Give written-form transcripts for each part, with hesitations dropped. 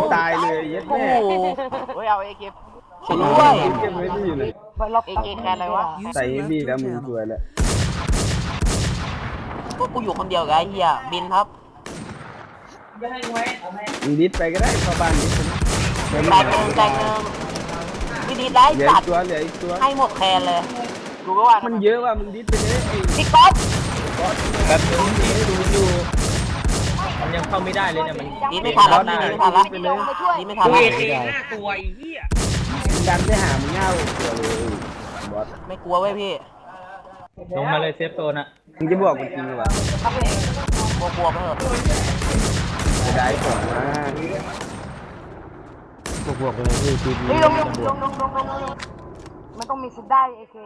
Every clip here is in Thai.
ตายเลยยัดแม่เฮ้ยเอาเอเกมช่วยด้วยเก็บไว้ที่อยู่เลยเอเกมแคนอะไรวะใส่บีแล้วมึงสวยแล้วพวกกูอยู่คนเดียวกับไอ้เหี้ยบินครับมึงดิสไปก็ได้เข้าบ้านดิสนะแตกหนึ่งวิธีไล่เหลือสัอีตกว์ตัวเหลืออีกตัวให้หมดแคนเลยดูก็ว่ามันเยอะว่ะมึงดิสไปเลยไอ้พี่ก๊อฟแบบนี้ดูอยู่มันยังเข้าไม่ได้เลยเนี่ยมันดีไม่ทันแล้วดีไม่ทันแล้วดีไม่ทันกูแล้วเอเค5 ตัวไอ้เหี้ยดันไปหามึงเงาตัวเลยบอสไม่กลัวเว้ยพี่ลงมาเลยเซฟโซนอะมึงจะบอกมันจริงหรือเปล่ากลัวไปเถอะจะได้ของมาบวกเลยพี่ทีเฮ้ยลงมันต้องมีสุดได้เอเค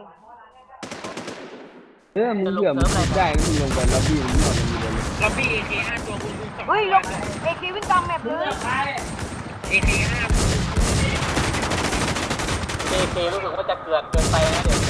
มึงเผื่อมึงคิดได้มึงลงไปแล้วบีมึงหมดมันมีเลยล็อบบี้เอเค5 ตัวคุณ2 เฮ้ยลงเอเควิ่งตามแมปเลยเอเค5 เอรู้สึกว่าจะเกินไปนะเดี๋ยว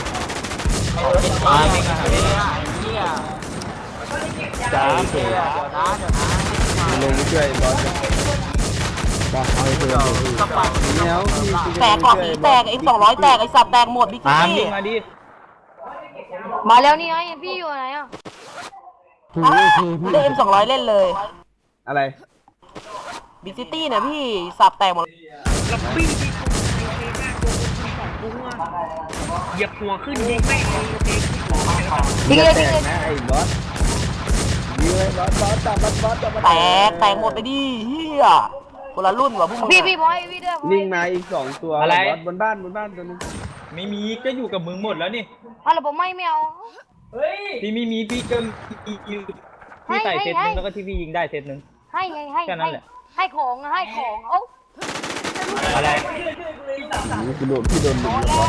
เหี้ยจ้าเสียลงช่วยบอสบอกเอาไปเลยพี่เนี่ยแตกกล่องนี้แตกไอ้200แตกไอ้สัตว์แตกหมดบิ๊กตามซี่ยิงมาดิมาแล้วนี่ไงพี่อยู่ไหนอ่ะได้เอ็ม200เล่นเลยอะไรบิ๊กซิตี้เนี่ยพี่สับแตกหมดล็อบบี้ที่คุณเอเค5 ตัวคุณ2 ตัวเหยียบหัวขึ้นยิงแม่งเลยเอเคมึงจะแตกนะไอ้บอสยิงเลยบอสจับมันแตกหมดไปดิเฮียคนละรุ่นว่ะพวกมึงพี่บอยพี่ด้วยนิ่งมาอีก2ตัวบอสบนบ้านตัวนึงไม่มีก็อยู่กับมึงหมดแล้วนี่อะไรผมไม่เอาพี่ไม่มีพี่ก็มีพี่ใส่เซตนึงแล้วก็ที่พี่ยิงได้เซตนึงให้ไงให้แค่นั้นแหละให้ของเอ้าอะไรกูโดนพี่โดนหนึ่งบอส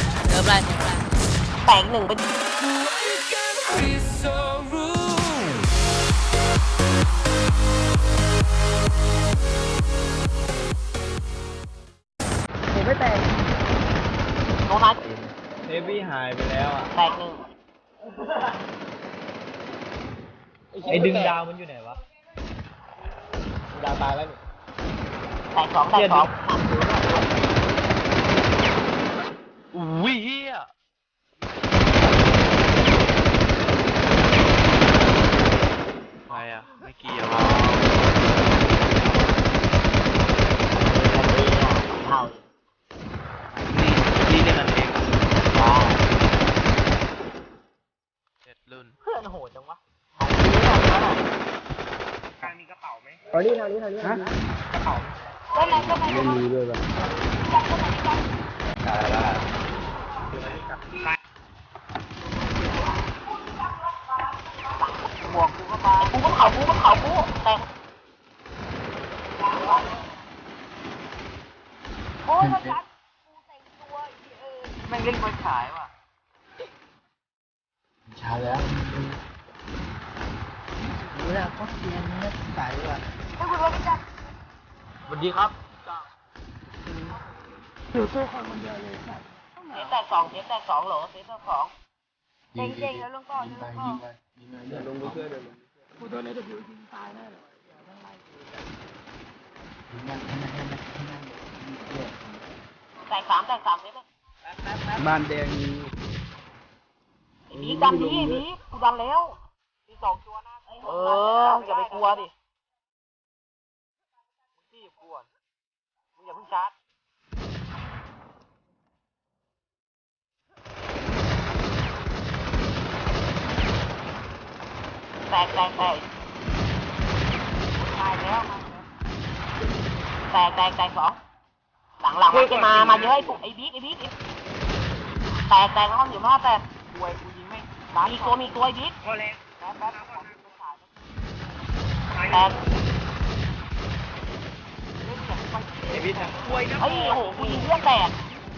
แตกหนึ่งไปผมไม่แตกโนนัทเนวี่หายไปแล้วอ่ะแตกหนึ่งไอ้ดึงดาวมันอยู่ไหนวะดาวตายแล้วนี่แตกสองแตกสองอุ้ยเฮียใครอ่ะไม่เกี่ยวอ่ะเท่านี่เล่นกันเองเจ็ดรุ่นเพื่อนโหดจังวะกลางมีกระเป๋าไหมฮะก็ไหนไม่มีด้วยป่ะบวกกูก็มากูก็เผาแตกโอ้ยมันกัดกูแต่งตัวแม่งเล่นไฟฉายว่ะช้าแล้วรู้แล้วก็เสียงนักสายว่ะให้คุณว่าพี่จัดสวัสดีครับอยู่ตัวคนคนเดียวเลยครับเซตแตกสองเหรอเซตแตกสองเจ๋งแล้วลงก่อนยิงไปเดี๋ยวลงไปช่วยเดี๋ยวลงกูโดนไอ้Wยิงตายแน่เลยยิงนั่นแตกสามเซตบ้านแดงมีไอ้บีดันดิบีกูดันแล้วมีสองตัวนะอย่าไปกลัวดิพี่อย่ากลัวมึงอย่าเพิ่งชาร์จแตกตายแล้วแตกสองหลังมันจะมาเยอะไอ้ปุ๊ไอ้บิ๊กแตกแล้วมันอยู่หน้าแตกกูยิงไม่มีตัวไอ้บิ๊กพอแล้วแตกไอ้พี่ทำกล้วยนะเฮ้ยโอ้โหกูยิงเพื่อนแตก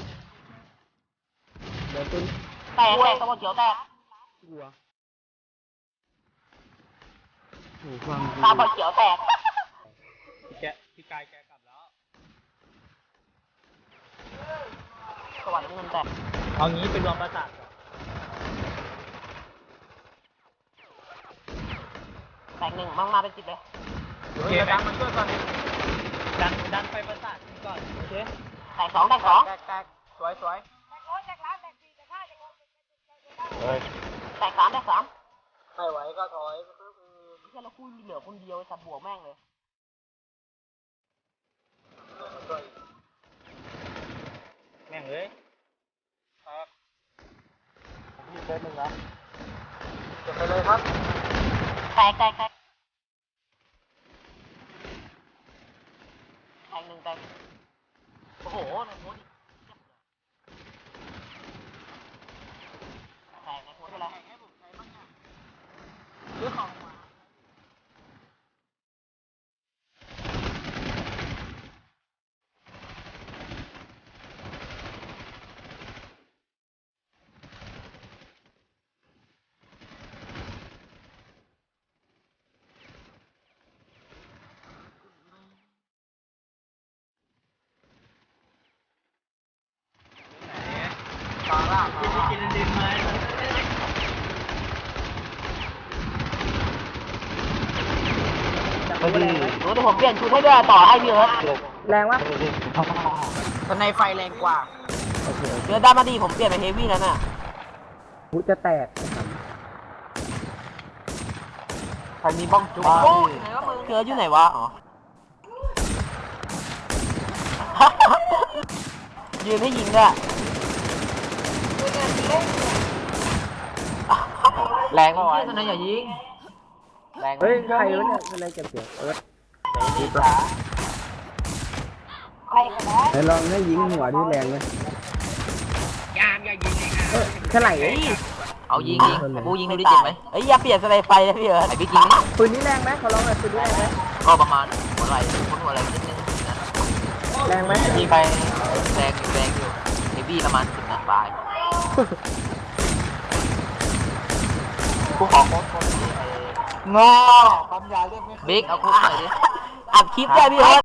เดี๋ยวต้นแตกตัวเขียวแตกกลัวโอ้ฟังตาบอดเขียวแตกพี่กายแกกลับแล้วสวัสดีเงินแตกเอางี้ไปรวมประสาทก่อนแตกหนึ่งมั่งมาเป็น10เลยโอเคไหมมาช่วยก่อนดันไปประสาทก่อนโอเคแตกสองแตกสองแตกสวยเฮ้ยแตกสามแตกสามไม่ไหวก็ถอยเพื่อนเราคู่เหลือคนเดียวไอ้สัตว์บวกแม่งเลยแม่งเลยมีเซตหนึ่งนะเก็บไปเลยครับแตกแตกแตกแตกหนึ่งแตกโอ้โหในโพสต์แตกในโพสต์อะไรเรื่องของมากินดินไม้รู้แต่ผมเปลี่ยนชุดให้ด้วยต่อให้พี่เอิร์ธแรงวะตอนในไฟแรงกว่าเดี๋ยวด้านมาดีผมเปลี่ยนเป็นเฮฟวี่แล้วน่ะหูจะแตกใครมีบ้องจุ๊บเกลืออยู่ไหนวะ อ๋อ ยืนให้ยิงด้วยแรงมากวะตอนนั้นอย่ายิงแรงเฮ้ยใครวะเนี่ยอะไรเก็บเสียงเอิร์ธไหนลองให้ยิงหัวที่แรงไหมยามอย่ายิงเลยค่ะเท่าไหร่เอายิงกูยิงดูดิเจ็บไหมเอ้ยอย่าเปลี่ยนสไลด์ไฟนะพี่เอิร์ธไอ้บิ๊กยิงนี่ปืนนี้แรงไหมขอลองหน่อยปืนนี้แรงไหมก็ประมาณหัวไหล่หัวไหล่นิดนึงแรงไหมยิงไปแรงอยู่เฮฟวี่ประมาณ10 นัดปลายกูขอโค้ดคนนี้งอความยาวเรียกไม่บิ๊กเอาโค้ดหน่อยดิอัดคลิปได้พี่เอิร์ธ